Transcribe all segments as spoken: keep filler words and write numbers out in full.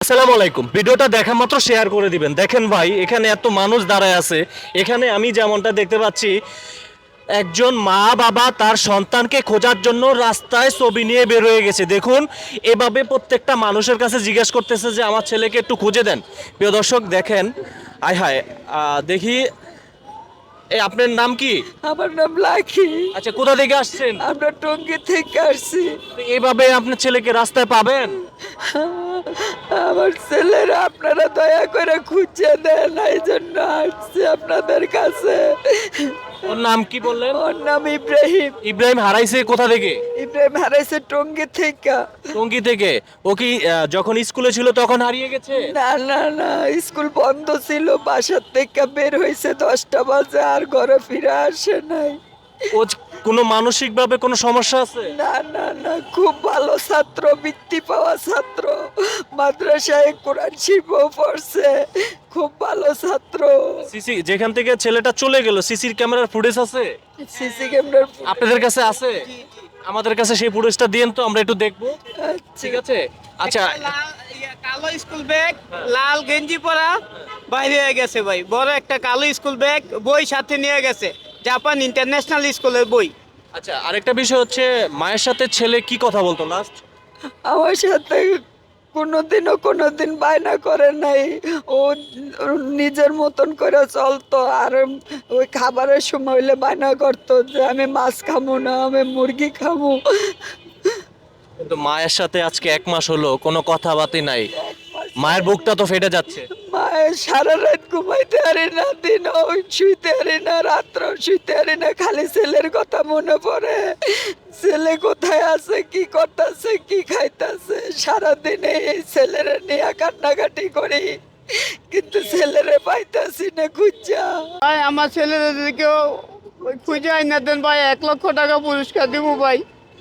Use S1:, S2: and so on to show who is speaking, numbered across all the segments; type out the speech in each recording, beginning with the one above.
S1: আসসালামু আলাইকুম। ভিডিওটা দেখা মাত্র শেয়ার করে দিবেন। দেখেন ভাই, এখানে এত মানুষ দাঁড়ায় আছে। এখানে আমি যেমনটা দেখতে পাচ্ছি, একজন মা বাবা তার সন্তানকে খোঁজার জন্য রাস্তায় ছবি নিয়ে বের হয়ে গেছে। দেখুন, এভাবে প্রত্যেকটা মানুষের কাছে জিজ্ঞেস করতেছে যে আমার ছেলেকে একটু খুঁজে দেন। প্রিয় দর্শক দেখেন, আয় হায়, আহ, দেখি এই আপনার নাম কি?
S2: আমার নাম লাখি।
S1: আচ্ছা, কোথা থেকে আসছেন?
S2: আমরা টঙ্গী থেকে আসছি।
S1: তো এভাবে আপনার ছেলেকে রাস্তায় পাবেন?
S2: আমার ছেলেরা আপনারা দয়া করে খুঁজে দেন, এই জন্য আসছি আপনাদের কাছে।
S1: ওর নাম কি বললেন?
S2: ওর নাম ইব্রাহিম।
S1: ইব্রাহিম হারাইছে কোথা থেকে?
S2: ইব্রাহিম হারাইছে টঙ্গী থেকে।
S1: টঙ্গী থেকে। ও কি আহ, যখন স্কুলে ছিল তখন হারিয়ে গেছে?
S2: না না না, স্কুল বন্ধ ছিল, বাসার থেকে বের হয়েছে দশটা বাজে, আর ঘরে ফিরে আসে নাই।
S1: ও জ- কোনো মানসিক ভাবে কোনো সমস্যা আছে?
S2: না না না, খুব ভালো ছাত্র, বৃত্তি পাওয়া ছাত্র, মাদ্রাসায় কোরআন শিখও পড়ছে, খুব ভালো ছাত্র।
S1: সিসি যেখান থেকে ছেলেটা চলে গেল, সিসির ক্যামেরার ফুটেজ আছে
S2: সিসি ক্যামেরার
S1: আপনাদের কাছে? আছে? আমাদের কাছে সেই ফুটেজটা দিয়েন তো, আমরা একটু দেখবো। ঠিক আছে। আচ্ছা,
S3: একটা লাল- ইয়া, কালো স্কুল ব্যাগ, লাল গেঞ্জি পরা বাইরে হয়ে গেছে ভাই। বড় একটা কালো স্কুল ব্যাগ, বই সাথে নিয়ে গেছে, জাপান ইন্টারন্যাশনাল স্কুলের বই।
S1: আচ্ছা, আরেকটা বিষয় হচ্ছে, মায়ের সাথে ছেলে কি কথা বলতো লাস্ট?
S2: আমার সাথে কোনোদিনও কোনোদিন বায়না করে নাই। ও নিজের মতন করে চলতো, আর ওই খাবারের সময় হইলে বায়না করতো যে আমি মাছ খামো না, আমি মুরগি খামো।
S1: কিন্তু মায়ের সাথে আজকে এক মাস হলো কোনো কথাবার্তা নাই। মায়ের বুকটা তো ফেটে যাচ্ছে।
S2: মায়ের সারা রাত ঘুমাইতে পারি না, দিন শুইতে পারি না, রাত্র শুইতে পারি না, খালি ছেলের কথা মনে পড়ে। ছেলে কোথায় আছে, কি করতেছে, কি খাইতেছে, সারাদিনে এই ছেলেরে নিয়ে কান্নাকাটি করি, কিন্তু ছেলেরে পাইতাছি না খুঁজা।
S3: ভাই আমার ছেলেদেরকেও খুঁজে আইনা দেন ভাই, এক লক্ষ টাকা পুরস্কার দিব ভাই।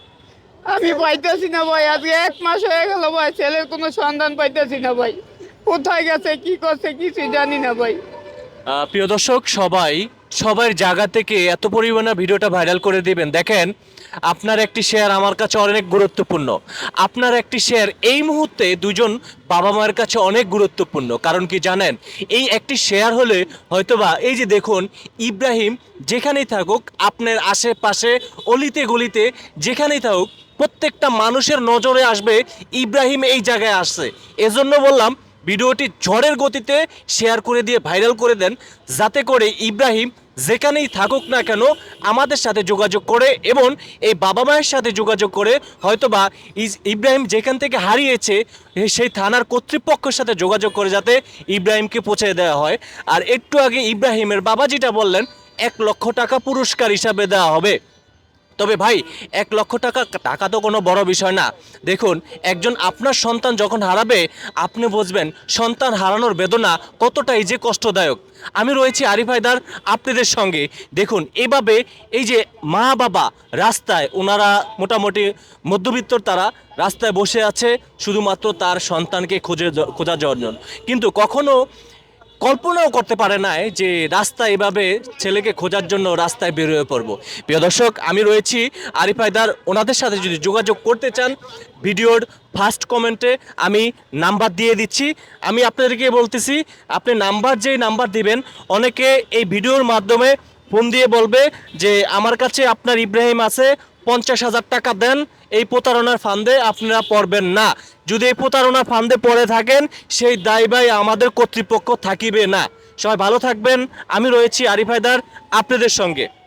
S3: আমি পাইতেছি না ভাই, আজকে এক মাস হয়ে গেল ভাই, ছেলের কোনো সন্ধান পাইতেছি না ভাই। কোথায় গেছে, কি করছে, কিছু জানি না ভাই।
S1: আহ, প্রিয় দর্শক, সবাই সবার জায়গা থেকে এত পরিমাণে ভিডিওটা ভাইরাল করে দিবেন। দেখেন, আপনার একটি শেয়ার আমার কাছে অনেক গুরুত্বপূর্ণ। আপনার একটি শেয়ার এই মুহূর্তে দুজন বাবা মায়ের কাছে অনেক গুরুত্বপূর্ণ। কারণ কি জানেন, এই একটি শেয়ার হলে হয়তোবা এই যে দেখুন, ইব্রাহিম যেখানেই থাকুক, আপনার আশেপাশে অলিতে গলিতে যেখানেই থাকুক, প্রত্যেকটা মানুষের নজরে আসবে ইব্রাহিম এই জায়গায় আসছে। এজন্য বললাম, ভিডিওটি ঝড়ের গতিতে শেয়ার করে দিয়ে ভাইরাল করে দেন, যাতে করে ইব্রাহিম যেখানেই থাকুক না কেন আমাদের সাথে যোগাযোগ করে এবং এই বাবা মায়ের সাথে যোগাযোগ করে হয়তোবা ইস- ইব্রাহিম যেখান থেকে হারিয়েছে সেই থানার কর্তৃপক্ষের সাথে যোগাযোগ করে যাতে ইব্রাহিমকে পৌঁছে দেওয়া হয়। আর একটু আগে ইব্রাহিমের বাবা যেটা বললেন, এক লক্ষ টাকা পুরস্কার হিসাবে দেওয়া হবে। তবে ভাই, এক লক্ষ টাকা টাকা তো কোনো বড় বিষয় না। দেখুন, একজন আপনার সন্তান যখন হারাবে, আপনি বুঝবেন সন্তান হারানোর বেদনা কতটাই যে কষ্টদায়ক। আমি রয়েছি আরিফ হায়দার আপনাদের সঙ্গে। দেখুন, এভাবে এই যে মা বাবা রাস্তায়, ওনারা মোটামুটি মধ্যবিত্তর, তারা রাস্তায় বসে আছে শুধুমাত্র তার সন্তানকে খুঁজে খোঁজার জন্য, কিন্তু কখনো কল্পনাও করতে পারে নাই যে রাস্তায় এভাবে ছেলেকে খোঁজার জন্য রাস্তায় বের হয়ে পড়বো। প্রিয় দর্শক, আমি রয়েছি আরিফ হায়দার। ওনাদের সাথে যদি যোগাযোগ করতে চান, ভিডিওর ফার্স্ট কমেন্টে আমি নাম্বার দিয়ে দিচ্ছি। আমি আপনাদেরকে বলতেছি, আপনি নাম্বার যেই নাম্বার দিবেন, অনেকে এই ভিডিওর মাধ্যমে ফোন দিয়ে বলবে যে আমার কাছে আপনার ইব্রাহিম আছে, পঞ্চাশ হাজার টাকা দেন, এই প্রতারণার ফান্দে আপনারা পড়বেন না। যদি এই প্রতারণার ফান্দে পড়ে থাকেন, সেই দায়ভার আমাদের কর্তৃপক্ষ থাকিবে না। সবাই ভালো থাকবেন। আমি রয়েছি আরিফ হায়দার আপনাদের সঙ্গে।